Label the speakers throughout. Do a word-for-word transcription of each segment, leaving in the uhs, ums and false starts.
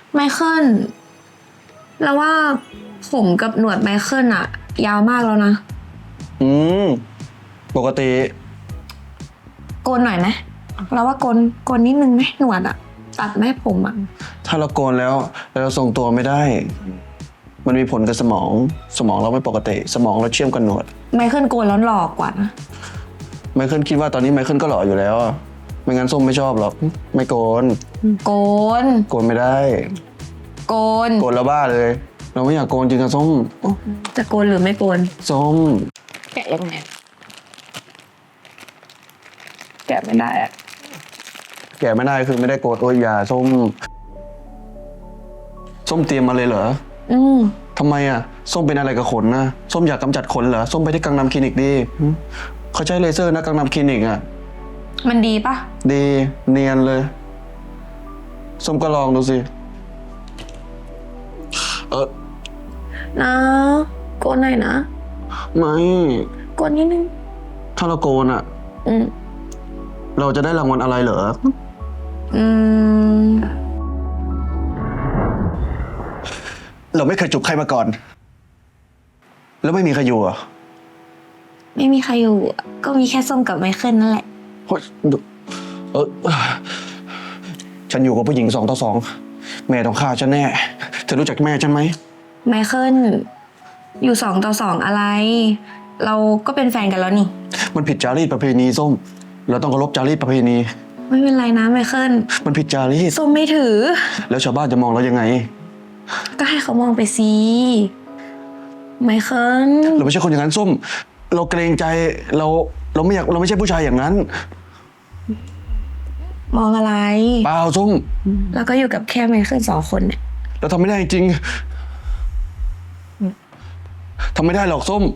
Speaker 1: ไมเคิลแล้วว่าผมกับหนวดไมเคิลอะยาวมากแล้วนะ
Speaker 2: อืมปกติ
Speaker 1: โกนหน่อยไหมแล้วว่าโกนโกนนิดนึงไหมหนวดอะตัดไหมผมอะ
Speaker 2: ถ้าเราโกนแล้วเราทรงตัวไม่ได้ มันมีผลกับสมองสมองเราไม่ปกติ สมองเราเชื่อมกันหนวด
Speaker 1: ไมเคิลโกนแล้วหล่อกว่านะ
Speaker 2: ไมเคิลคิดว่าตอนนี้ไมเคิลก็หล่ออยู่แล้วอะไม่งั้นส้มไม่ชอบหรอกไม่โกน
Speaker 1: โกน
Speaker 2: โกนไม่ได้
Speaker 1: โกน
Speaker 2: โกนแล้วบ้าเลย เราไม่อยากโกนจริงอะส้ม
Speaker 1: จะโกนหรือไม่โกน
Speaker 2: ส้ม
Speaker 1: แกะยังไงแกะไม่ได้อะ
Speaker 2: แก่ไม่ได้คือไม่ได้โกนโอ้ยอย่าส้ม ส้มเตรียมมาเลยเหรอ
Speaker 1: อืม
Speaker 2: ทำไมอะส้มเป็นอะไรกับขนนะส้มอยากกำจัดขนเหรอส้มไปที่กังนำคลินิกดีหึเขาใช้เลเซอร์นะกังนำคลินิกอะ
Speaker 1: มันดีปะ
Speaker 2: ดีเนียนเลยส้มก็ลองดูสิเออ
Speaker 1: นะโกนหน่อยนะ
Speaker 2: ไม่
Speaker 1: โกนนิดนึง
Speaker 2: ถ้าเราโกนอะ
Speaker 1: อืม
Speaker 2: เราจะได้รางวัลอะไรเหรอ
Speaker 1: อืม
Speaker 2: เราไม่เคยจูบใครมาก่อน แล้วไม่มีใครอยู่เหรอ่ะ
Speaker 1: ไม่มีใครอยู่อะก็มีแค่ส้มกับไมเคิลนั่นแหละ
Speaker 2: เฮ้ยเออฉันอยู่กับผู้หญิงสองต่อสองแม่ต้องฆ่าฉันแน่เธอรู้จักแม่ฉันไหม
Speaker 1: ไมเคิลอยู่สองต่อสองอะไร เราก็เป็นแฟนกันแล้วนี่
Speaker 2: มันผิดจารีตประเพณีส้ม เราต้องเคารพจารีตประเพณี
Speaker 1: ไม่เป็นไรนะไมเคิล
Speaker 2: มันผิดจารีต
Speaker 1: ส้มไม่ถือ
Speaker 2: แล้วชาวบ้านจะมองเรายังไง
Speaker 1: ก็ให้เขามองไปสิไมเคิล
Speaker 2: เราไม่ใช่คนอย่างนั้นส้ม เราเกรงใจเราเราไม่อยากเราไม่ใช่ผู้ชายอย่างนั้น
Speaker 1: มองอะไร
Speaker 2: เปล่าส้ม
Speaker 1: แล้วก็อยู่กับแค่ไมเคิลสองคนเนี่ย
Speaker 2: เราทำไม่ได้จริงทำไม่ได้หรอกส้ม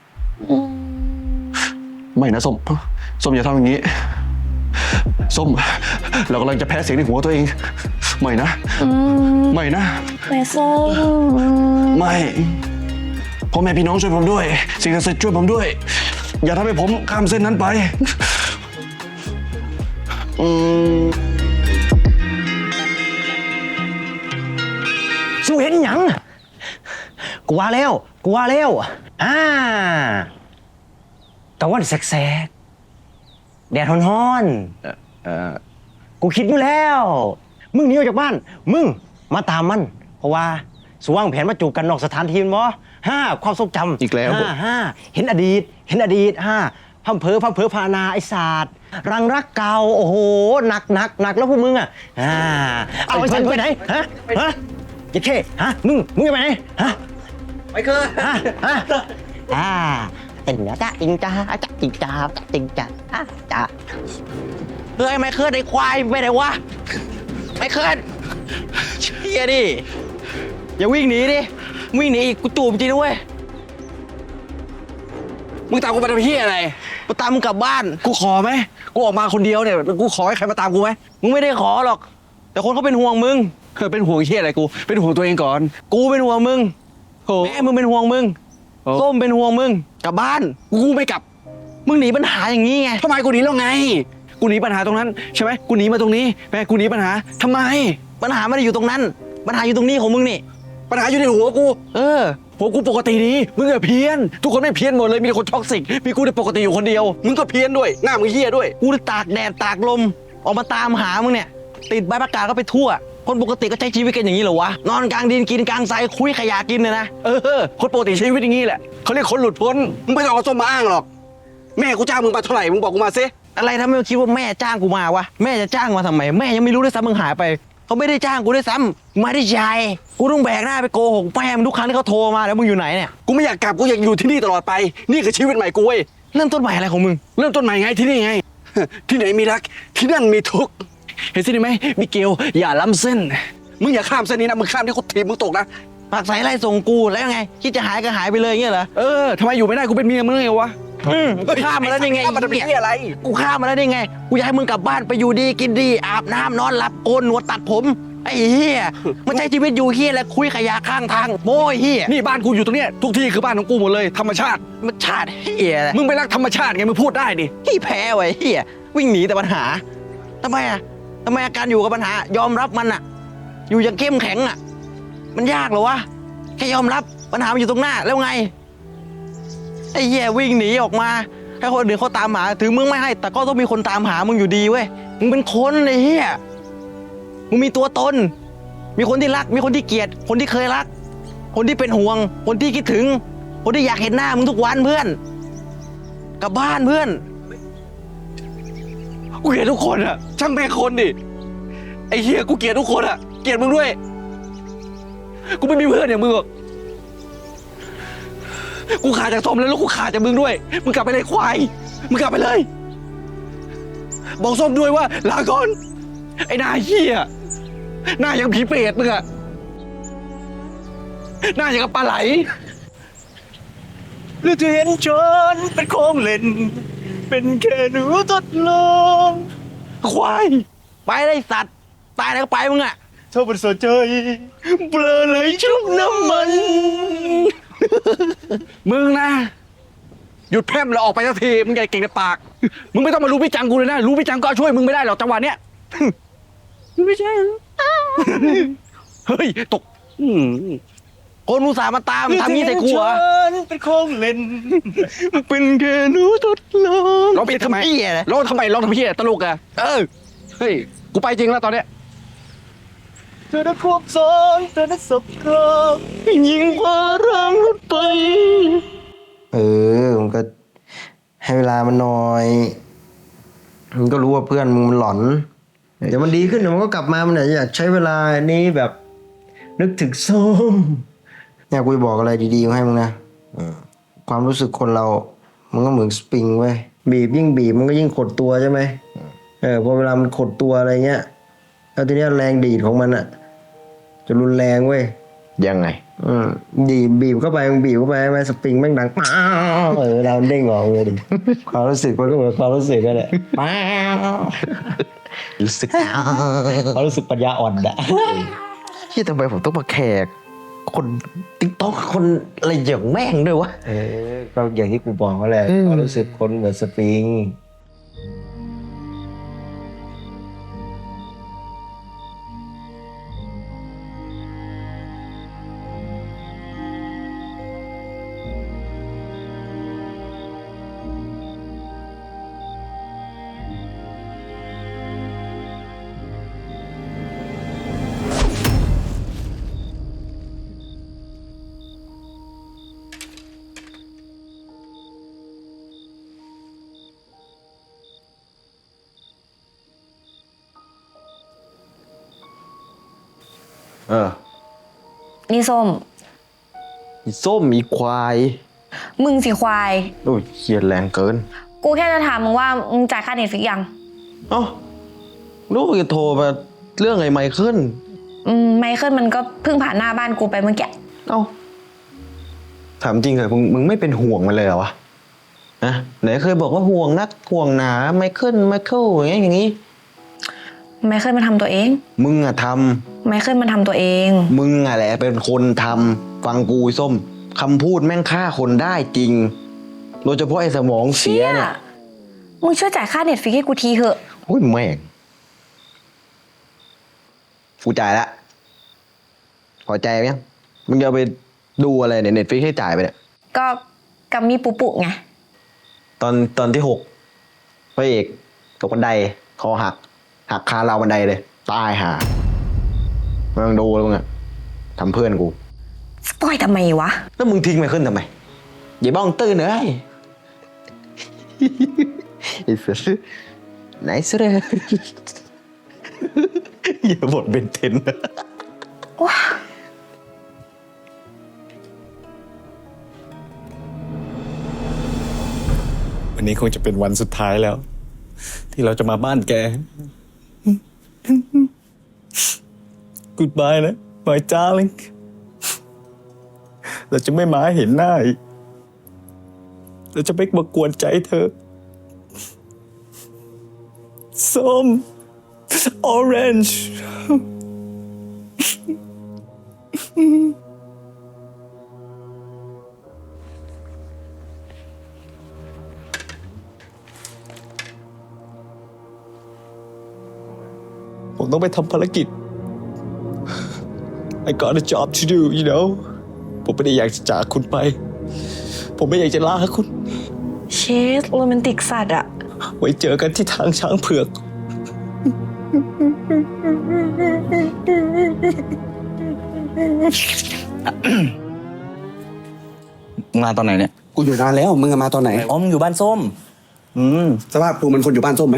Speaker 2: ไม่นะส้มส้มอย่าทำอย่างนี้ส้มเรากำลังจะแพ้เสียงในหัวตัวเองไม่นะไม่นะ
Speaker 1: ไมเคิล
Speaker 2: ไม่พ่อแม่พี่น้องช่วยผมด้วยสิ่งศักดิ์สิทธิ์ช่วยผมด้วย อย่าทำให้ผมข้ามเส้นนั้นไปอืม
Speaker 3: สู้เห็นหยังกูว่าแล้วกูว่าแล้วอ่ากะวันแสกๆแดดฮ้อนๆเอ่อกูคิดอยู่แล้ว มึงหนีออกจากบ้าน มึงมาตามมัน เพราะว่าสว่างแผนมาจูบกันนอกสถานที่มั้ห้าความทรงจำ
Speaker 2: อีกแล้ว
Speaker 3: ห้าห้าเห็นอดีต เห็นอดีตห้าพัมเพอพัมเพอพานาไอศาสตร์รังรักเก่าโอ้โหหนักหนักหนักแล้วพวกมึงอ่ะอ่าเอาไอ้เซนไปไหนฮะฮะยัดเข้ฮะมึงมึงจะไปไหนฮะ
Speaker 4: ไม่เคย
Speaker 3: ฮะฮะอ่าติงจ้าติงจ้าจ้าติงจ้าติงจ้าจ้า
Speaker 4: เฮ้ยไม่เคยได้ควายไปไหนวะไม่เคยเชี่ยดิอย่าวิ่งหนีดิวิ่งหนีอีกกูจูบจริงนะเว้ยมึงตามกูไปทำเพี้ยอะไรมาตามมึงกลับบ้านกูขอไหมกูออกมาคนเดียวเนี่ยกูขอให้ใครมาตามกูไหมมึงไม่ได้ขอหรอก แต่คนเขาเป็นห่วงมึงเออเป็นห่วงเชี่ยอะไรกูเป็นห่วงตัวเองก่อน กูเป็นห่วงมึงแม่มึงเป็นห่วงมึงส้มเป็นห่วงมึงกลับบ้านกูไม่กลับ มึงหนีปัญหาอย่างนี้ไงทำไมกูหนีแล้วไง กูหนีปัญหาตรงนั้นใช่ไหมกูหนีมาตรงนี้แม่กูหนีปัญหาทำไม ปัญหาไม่ได้อยู่ตรงนั้น ปัญหาอยู่ตรงนี้ของมึงนี่ ปัญหาอยู่ในหัวกู เออ หัวกูปกติดี มึงอะเพี้ยน ทุกคนไม่เพี้ยนหมดเลย มีแต่คนท็อกซิก มีกูที่ปกติอยู่คนเดียว มึงก็เพี้ยนด้วย หน้ามึงเหี้ยด้วย กูตากแดดตากลม ออกมาตามหามึงเนี่ย ติดใบประกาศก็ไปทั่ว คนปกติก็ใช้ชีวิตกันอย่างนี้เหรอวะ นอนกลางดินกินกลางทรายคุยขยะกินเนี่ยนะ เออ คนปกติใช้ชีวิตอย่างนี้แหละเขาเรียกคนหลุดพ้น มึงไม่ต้องเอาส้มมาอ้างหรอก แม่กูจ้างมึงไปเท่าไหร่ มึงบอกกูมาซิอะไรทำให้มึงคิดว่าแม่จ้างกูมาวะ แม่จะจ้างมาทำไม แม่ยังไม่รู้ด้วยซ้ำมึงหายไป เขาไม่ได้จ้างกูด้วยซ้ำมาได้ใจกูต้องแบกหน้าไปโกหกแม่มึงทุกครั้งที่เขาโทรมาแล้วมึงอยู่ไหนเนี่ย กูไม่อยากกลับ กูอยากอยู่ที่นี่ตลอดไป นี่คือชีวิตใหม่กูเว้ย เริ่มต้นใหม่อะไรของมึง เริ่มต้นใหม่ไงที่นี่ไง ที่ไหนมีรัก ที่นั่นมีทุกข์ เห็นสิไหมมิเกลอย่าล้ำเส้น มึงอย่าข้ามเส้นนี้นะ มึงข้ามที่กูถีบมึงตกนะปากใสไล่ส่งกูแล้วยังไง คิดจะหายก็หายไปเลยเงี้ยเหรอ เออทำไมอยู่ไม่ได้กูเป็นเมียมึงไงวะ อืมก็ข้ามมาแล้วได้ไงข้ามมาทำเพี้ยอะไร กูข้ามมาแล้วได้ไง กูอยากให้มึงกลับบ้านไปอยู่ดีกินดีอาบน้ำนอนหลับโกนหนวดตัดผม ไอ้เหี้ยมันใช้ชีวิตอยู่เหี้ยแล้วคุยขยะข้างทางโม้ยเหี้ยนี่บ้านกูอยู่ตรงเนี้ยทุกที่คือบ้านของกูหมดเลยธรรมชาติมันชาติเหี้ยมึงไปรักธรรมชาติไงมึงพูดได้ดิที่แพ้ไว้เหี้ยวิ่งหนีแต่ปัญหาทำไมอ่ะทำไมอาการอยู่กับปัญหายอมรับมันอ่ะ
Speaker 3: อยู่อย่างเข้มแข็งอ่ะ มันยากเหรอวะ แค่ยอมรับปัญหามันอยู่ตรงหน้าแล้วไง ไอ้เหี้ยวิ่งหนีออกมาให้คนอื่นเขาตามหา ถึงมึงไม่ให้ แต่ก็ต้องมีคนตามหามึงอยู่ดีเว้ย มึงเป็นคนไอ้เหี้ย มึงมีตัวตน มีคนที่รัก มีคนที่เกลียด คนที่เคยรัก คนที่เป็นห่วง คนที่คิดถึง คนที่อยากเห็นหน้ามึงทุกวันเพื่อน กลับบ้านเพื่อน
Speaker 4: กูเกลียดทุกคนอะช่างแม่งคนดิไอ้เหี้ยกูเกลียดทุกคนอะเกลียดมึงด้วย กูไม่มีเพื่อนอย่างมึงหรอกกูขาดจากส้มแล้วแล้วกูขาดจากมึงด้วยมึงกลับไปเลยควายมึงกลับไปเลย บอกส้มด้วยว่าลาก่อนไอ้หน้าเหี้ยหน้าอย่างผีเปรตมึงอะหน้าอย่างกับปลาไหลหรือจะเห็นฉันเป็นของเล่นเป็นแค่หนูทดลองควาย
Speaker 3: ไปเลยสัตว์ ตายแล้วก็ไปมึงอะ
Speaker 4: เธอเป็นสนใจเปลอเลยชุบน้ำมัน มึงนะ หยุดแพร่มแล้วออกไปสักทีมึงใหญ่าเก่งในปาก มึงไม่ต้องมารู้พี่จังกูเลยนะ รู้พี่จังก็ช่วยมึงไม่ได้หรอกจังหวะเนี้ย ไม่ใช่เฮ้ยตกอืม
Speaker 3: คนอุตส่าห์มาตามทำงี้ใส่กูเหรอ
Speaker 4: เป็นของเล่นเป็นแค่หนูทดลองร้องเพลงทำไม
Speaker 3: เป็นทำเหี้ยอะไร
Speaker 4: ร้องทำไมร้องทำเพี้ยตลกอะเออเฮ้ยกูไปจริงแล้วตอนเนี้ยเธอได้ควบซ้อนเธอได้สบกรอบยิงพาร่างรถไป
Speaker 5: เออมันก็ให้เวลามันหน่อยมันก็รู้ว่าเพื่อนมึงมันหลอนเดี๋ยวมันดีขึ้นเดี๋ยวมันก็กลับมามันอาจจะอยากใช้เวลานี้แบบนึกถึงส้มเนี่ยกูจะบอกอะไรดีๆให้มึงนะเออความรู้สึกคนเรา มันก็เหมือนสปริงเว้ยบีบยิ่งบีบมันก็ยิ่งขดตัวใช่ไหมเออพอเวลามันขดตัวอะไรเงี้ยแล้วทีเนี้ยแรงดีดของมันอะจะรุนแรงเว้ย
Speaker 3: ยังไง
Speaker 5: อืมบีบบีบเข้าไปมึงบีบเข้าไปไหมสปริงแม่งดังป้าวเออเราเด้งออกเลยดิ ความรู้สึกมันก็เหมือนความรู้สึกกันแหละป้าว
Speaker 3: รู้สึก
Speaker 5: ความรู้สึกปัญญาอ่อนอะ
Speaker 3: ที่ทำไมผมต้องมาแขก คนติ๊กต๊อกคนอะไรอย่างแม่งด้วยวะ
Speaker 5: เออก็อย่างที่กูบอกก็แหละความรู้สึกคนเหมือนสปริง
Speaker 3: เออ
Speaker 1: นี่ส้ม
Speaker 3: อีส้มอีควาย
Speaker 1: มึงสิควาย
Speaker 3: โอ้ยเขียดแรงเกิน
Speaker 1: กูแค่จะถามมึงว่ามึงจ่ายค่าเน็ตฟิกยัง
Speaker 3: เอ้าลูกจะโทรมาเรื่องไอ้ไมเคิล
Speaker 1: อืมไมเคิลมันก็เพิ่งผ่านหน้าบ้านกูไปเมื่อกี้
Speaker 3: เอ้าถามจริงเหรอมึงมึงไม่เป็นห่วงมันเลยเหรอวะนะไหนเคยบอกว่าห่วงนักห่วงหนาไมเคิลไมเคิลอย่างเงี้ยอย่างงี้
Speaker 1: ไมเคิลมันทำตัวเอง
Speaker 3: มึงอะท
Speaker 1: ไมเคิลมันทำตัวเอง
Speaker 3: ำมึงอะแหละเป็นคนทำฟังกูไอ้ส้มคำพูดแม่งฆ่าคนได้จริง โดยเฉพาะไอ้สมองเสียเนี่ย
Speaker 1: มึงช่วยจ่ายค่าเน็ตฟิกให้กูทีเถอะ
Speaker 3: โอ้ยแม่งกูจ่ายละพอใจไหมยังมึงจะเอาไปดูอะไรเนี่ยเน็ตฟิกให้จ่ายไปเนี่ย
Speaker 1: ก็กัมมี่ปุปุไง
Speaker 3: ตอนตอนที่หกพระเอกตกบันไดคอหัก หักคาเราวบันไดเลย ตายหามึงดูแล้วมึงอะทำเพื่อนกู
Speaker 1: สปอยทำไมวะ
Speaker 3: แล้วมึงทิ้งไมเคิลทำไมอย่าบ้องตื้นเลยไอ้เสือไหนเสืออย่าบทเป็นเทน
Speaker 1: ว้า
Speaker 6: วันนี้คงจะเป็นวันสุดท้ายแล้ว ที่เราจะมาบ้านแก Goodbye นะ my darling เราจะไม่มาเห็นหน้าอีกเราจะไม่มากวนใจเธอ ส้ม orange ผมต้องไปทำภารกิจ I got a job to do you know ผมไม่ได้อยากจะจากคุณไป ผมไม่อยากจะลาคุณ
Speaker 1: เชสโรแมนติกสัตว์อะ
Speaker 6: ไว้เจอกันที่ทางช้างเผือก
Speaker 4: มาตอนไหนเนี่ย
Speaker 2: กูอยู่นานแล้วมึงมาตอนไหน
Speaker 4: อ๋อมึงอยู่บ้านส้ม อืม
Speaker 2: สภาพกูมันคนอยู่บ้านส้มไหม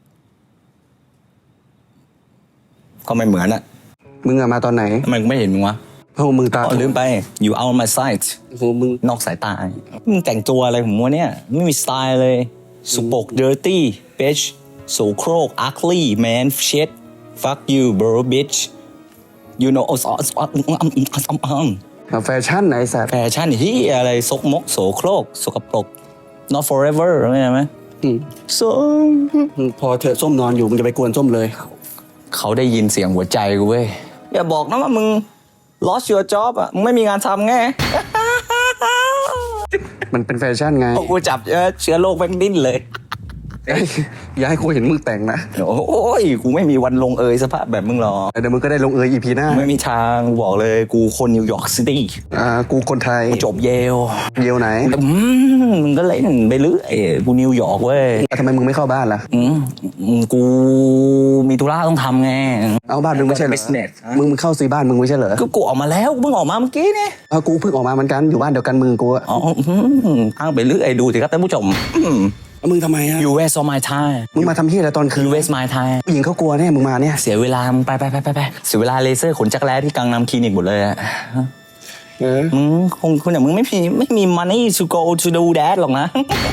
Speaker 4: ก็ไม่เหมือนอะ
Speaker 2: มึงมาตอนไหน
Speaker 4: ทำไมกูไม่เห็นมึงวะ
Speaker 2: โอ้มึงตา
Speaker 4: อ๋อลืมไป อยู่ out my sight
Speaker 2: โอ้โหมึง
Speaker 4: นอกสายตา มึงแต่งตัวอะไรของมึงวะเนี่ย ไม่มีสไตล์เลยสุปก dirty bitch โสโครก ugly man shit fuck you bro bitch you know
Speaker 2: แฟชั่นไหนสัตว์
Speaker 4: แฟชั่นที่อะไรซกมกโสโครกสกปรก not forever เข้าใจไหม
Speaker 2: อืม
Speaker 4: so
Speaker 2: พอเธอส้มนอนอยู่มึงจะไปกวนส้มเลย
Speaker 4: เขาได้ยินเสียงหัวใจกูเว้ย อย่าบอกนะว่ามึง lost your job อ่ะ มึงไม่มีงานทำไง
Speaker 2: มันเป็นแฟชั่นไง
Speaker 4: พอกูจับเชื้อเชื้อโรคแม่งดิ้นเลย
Speaker 2: เอ้ยอย่าให้กูเห็นมึงแต่งนะ
Speaker 4: โอ้ย กูไม่มีวันลงเอยสภาพแบบมึงหรอก
Speaker 2: เดี๋ยวมึงก็ได้ลงเอยอีพีหน้า
Speaker 4: ไม่มีทางกูบอกเลย กูคนนิวยอร์กซิตี้
Speaker 2: อ่ากูคนไทย
Speaker 4: กูจบเยล
Speaker 2: เยียวไหน
Speaker 4: อืมมึงก็เล่นไปเรื่อยกูนิวยอร์กเว้ย
Speaker 2: อ่ะทำไมมึงไม่เข้าบ้านล่ะ
Speaker 4: อืมกูมีธุระต้องทำไง
Speaker 2: เอาบ้านมึงไม่ใช่เหรอ
Speaker 4: business
Speaker 2: มึงมึงเข้าซื้อบ้านมึงไม่ใช่เหรอ
Speaker 4: ก็กูออกมาแล้วกูเพิ่งออกมาเมื่อกี้เนี่ย
Speaker 2: เอากูเพิ่งออกมาเหมือนกันอยู่บ้านเดียวกันมึงกูอะ
Speaker 4: อ๋ออืมอ้างไปเรื่อยดูสิครับท่านผู้ชมอืม
Speaker 2: แล้วมึงทำไมอะ
Speaker 4: You waste all my time
Speaker 2: มึงมาทำที่อะไรตอนคืน
Speaker 4: You waste my time
Speaker 2: ผู้หญิงเขากลัวแน่มึงมาเนี่ย
Speaker 4: เสียเวลามึงไปไปไปไปไปเสียเวลาเลเซอร์ขนจักรแร้ที่กังนำคลินิกหมดเลยอะ
Speaker 2: เออ
Speaker 4: มึงคงคนอย่างมึงไม่มีไม่มี money to go to do that หรอกนะ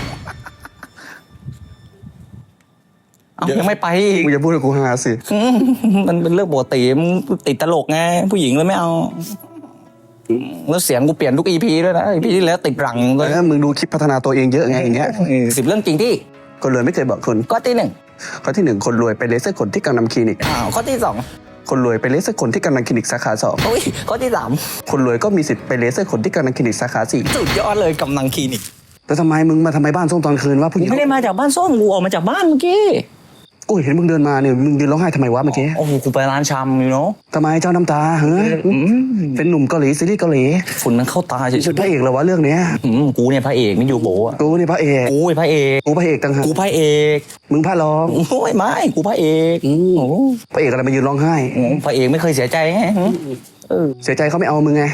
Speaker 4: เอ้ายังไม่ไปอีก
Speaker 2: มึงจะพูดกับกูหาสิ
Speaker 4: อืมมันเป็นเรื่องปกติมึงติดตลกไงผู้หญิงเลยไม่เอาแล้วเสียงกูเปลี่ยนทุกอีพีด้วยนะอีพีที่แล้วติดรังเล
Speaker 2: เอย อมึงดูคลิปพัฒนาตัวเองเยอะไงอย่างเงี้ย
Speaker 4: สิบเรื่องจริงที่
Speaker 2: คนรวยไม่เคยบอกคน
Speaker 4: ข้อที่หนึ่ง
Speaker 2: ข้อที่หนึ่งคนรวยไปเลเซอร์ขนที่กังนำคลินิก
Speaker 4: อ้าวข้อที่สอง
Speaker 2: คนรวยไปเลเซอร์ขนที่กังนำคลินิกสาขาสอง
Speaker 4: โอ้ยข้อที่สาม
Speaker 2: คนรวยก็มีสิทธิ์ไปเลเซอร์ขนที่กังนำคลินิกสาขาสี่
Speaker 4: สุดยอดเลยกำลังคลินิก
Speaker 2: แล้วทำไมมึงมาทำไมบ้านส้มตอนคืนวะผู้ห
Speaker 4: กู
Speaker 2: ญิง
Speaker 4: ไม่ได้มาจากบ้านส้มกูออกมาจากบ้านเมื่อกี้
Speaker 2: กูเห็นมึงเดินมาเนี่ยมึงยืนร้องไห้ทำไมวะเมื่อกี้
Speaker 4: โอ้โหกูไปร้านชำอยู่เนาะ
Speaker 2: ทำไมเจ้าน้ำตาเฮ้ยเป็นหนุ่มเกาหลีซีรีส์เกาหลี
Speaker 4: ฝุ่นมันเข้าตาเฉย
Speaker 2: เป็นพระเอกเหรอวะเรื่องเนี้ย
Speaker 4: ๆอืมกูเนี่ยพระเอกไม่อยู่โบอะ
Speaker 2: กูนี่พระเอก
Speaker 4: กูเป็นพระเอก
Speaker 2: กูพระเอกต่างหาก
Speaker 4: กูพระเอก
Speaker 2: มึงพระรอง
Speaker 4: โอ้ยไม่กูพระเอก
Speaker 2: อืม
Speaker 4: โอ้โห
Speaker 2: พระเอกอะไรมายืนร้องไห้
Speaker 4: พระเอกไม่เคยเสียใจไงเออ
Speaker 2: เสียใจเขาไม่เอามึงไง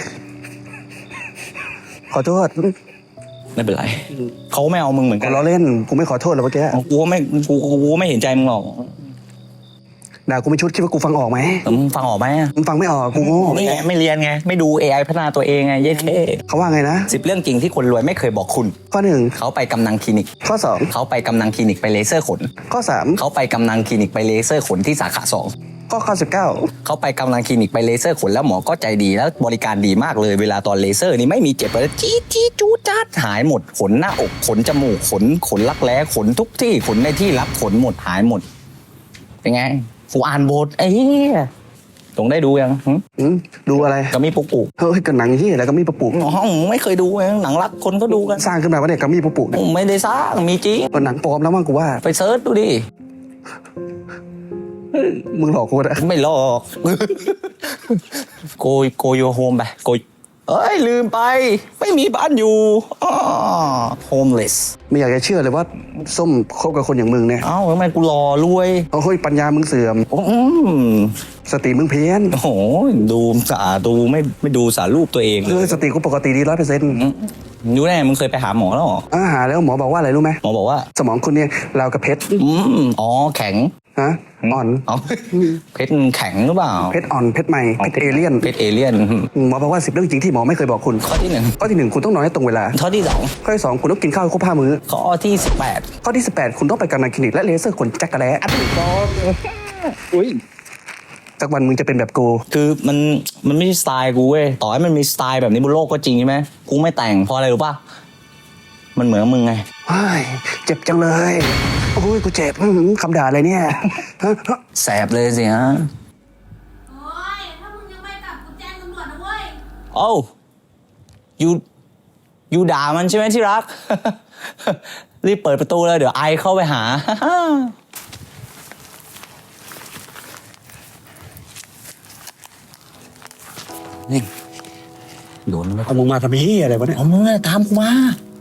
Speaker 2: ขอโทษ
Speaker 4: ไม่เป็นไรเขาไม่เอามึงเหมือน
Speaker 2: กู
Speaker 4: กัน
Speaker 2: ล้อเล่นกูไม่ขอโทษหรอกเมื่อกี้
Speaker 4: กูก็ไม่กูกูก็ไม่เห็นใจมึงหรอก
Speaker 2: ด่ากูไม่ชุดคิดว่ากูฟังออกไหม
Speaker 4: แต่มึงฟังออกไหมอะ
Speaker 2: มึงฟังไม่ออกกูโง่
Speaker 4: ไม่ไม่เรียนไงไม่ดู เอ ไอ พัฒนาตัวเองไงเย้เท่
Speaker 2: เขาว่าไงนะ
Speaker 4: สิบเรื่องจริงที่คนรวยไม่เคยบอกคุณ
Speaker 2: ข้อหนึ่ง
Speaker 4: เขาไปกำนังคลินิก
Speaker 2: ข้อสอง
Speaker 4: เขาไปกำนังคลินิกไปเลเซอร์ขน
Speaker 2: ข้อสาม
Speaker 4: เขาไปกำนังคลินิกไปเลเซอร์ขนที่สาขาสอง
Speaker 2: ข้อข้อสิบเก้า
Speaker 4: เขาไปกำนังคลินิกไปเลเซอร์ขนแล้วหมอก็ใจดีแล้วบริการดีมากเลยเวลาตอนเลเซอร์นี่ไม่มีเจ็บเลยจี๊ดจี๊ดจูดจัดหายหมดขนหน้าอกขนจมูกขนขนรักแร้ขนทุกที่ขนในที่รับขนหมดหายหมดเป็นไงกูอ่านบทไอ้เหี้ยตรงได้ดูยังหึ
Speaker 2: อืมดูอะไร
Speaker 4: ก็มีปุกปุก
Speaker 2: เฮ้ยกันหนังที่อะไรก็มีประปุก
Speaker 4: อ๋อไม่เคยดูไงหนังรักคนก็ดูกัน
Speaker 2: สร้างขึ้นมาว่าเนี่ยก็มีประปุกเนี่ย
Speaker 4: ไม่ได้สร้างมีจริง
Speaker 2: มันหนังปลอมแล้วมั้งกูว่า
Speaker 4: ไปเซิร์ชดูดิ
Speaker 2: มึงหลอกกูนะ
Speaker 4: ไม่หลอก โกยโกโยโฮมไปโกยเอ้ยลืมไป ไม่มีบ้านอยู่อ๋อ homeless
Speaker 2: ไม่อยากจะเชื่อเลยว่าส้มคบกับคนอย่างมึงเนี่ย
Speaker 4: เอ้าทำไมกูรอรวย
Speaker 2: เอาเฮ้ยปัญญามึงเสื่อม
Speaker 4: อืม
Speaker 2: สติมึงเพี้ยน
Speaker 4: โอ้โหดูสะอาดดูไม่ไม่ดูสารรูปตัวเอง
Speaker 2: เออสติกูปกติดีร้อยเปอร์เซ็นต์
Speaker 4: รู้แน่มึงเคยไปหาหมอแล้วเหรอ
Speaker 2: อาหารแล้วหมอบอกว่าอะไรรู้ไหม
Speaker 4: หมอบอกว่า
Speaker 2: สมองคุณเนี่ยราวกับเพชร
Speaker 4: อืมอ๋อแข็ง
Speaker 2: ฮะอ่อน
Speaker 4: อ๋อเพชรแข็งหรือเปล่า
Speaker 2: เพชรอ่อนเพชรใหม่เพชรเอเลี่ยน
Speaker 4: เพชรเอเลี่ยน
Speaker 2: หมอบอกว่าสิบเรื่องจริงที่หมอไม่เคยบอกคุณ
Speaker 4: ข้อที่หนึ่ง
Speaker 2: ข้อที่หนึ่งคุณต้องนอนให้ตรงเวลา
Speaker 4: ข้อที่สอง
Speaker 2: ข้อที่สองคุณต้องกินข้าวให้ครบห้ามื้อ
Speaker 4: ข้อที่สิบแปด
Speaker 2: ข้อที่สิบแปดคุณต้องไปกำนันคลินิกและเลเซอร์ขนจักรแร้อัดถูกต้องอุ้ยสักวันมึงจะเป็นแบบกู
Speaker 4: คือมันมันไม่ใช่สไตล์กูเว้ยต่อให้มันมีสไตล์แบบนี้บนโลกก็จริงใช่ไหมกูไม่แต่งเพราะอะไรรู้ป่ะมันเหมือนมึงไง
Speaker 2: เฮ้ยเจ็บจังเลยโอ้ยกูเจ็บอื้อหือคำด่าอะไรเนี่ยฮะฮะ
Speaker 4: แสบเลยสิฮะ
Speaker 7: โอ้ย ถ้ามึงยังไม่กลับกูแจ้งตำรวจนะเว้ย
Speaker 4: โอ้ยูยูด่ามันใช่ไหมที่รัก รีบเปิดประตูเลยเดี๋ยวไอเข้าไปหา
Speaker 2: เ
Speaker 4: นี่โดนไหมเอามึงมาทำไมอะไรวะเนี่ย
Speaker 6: เอามึงอะตามกูมา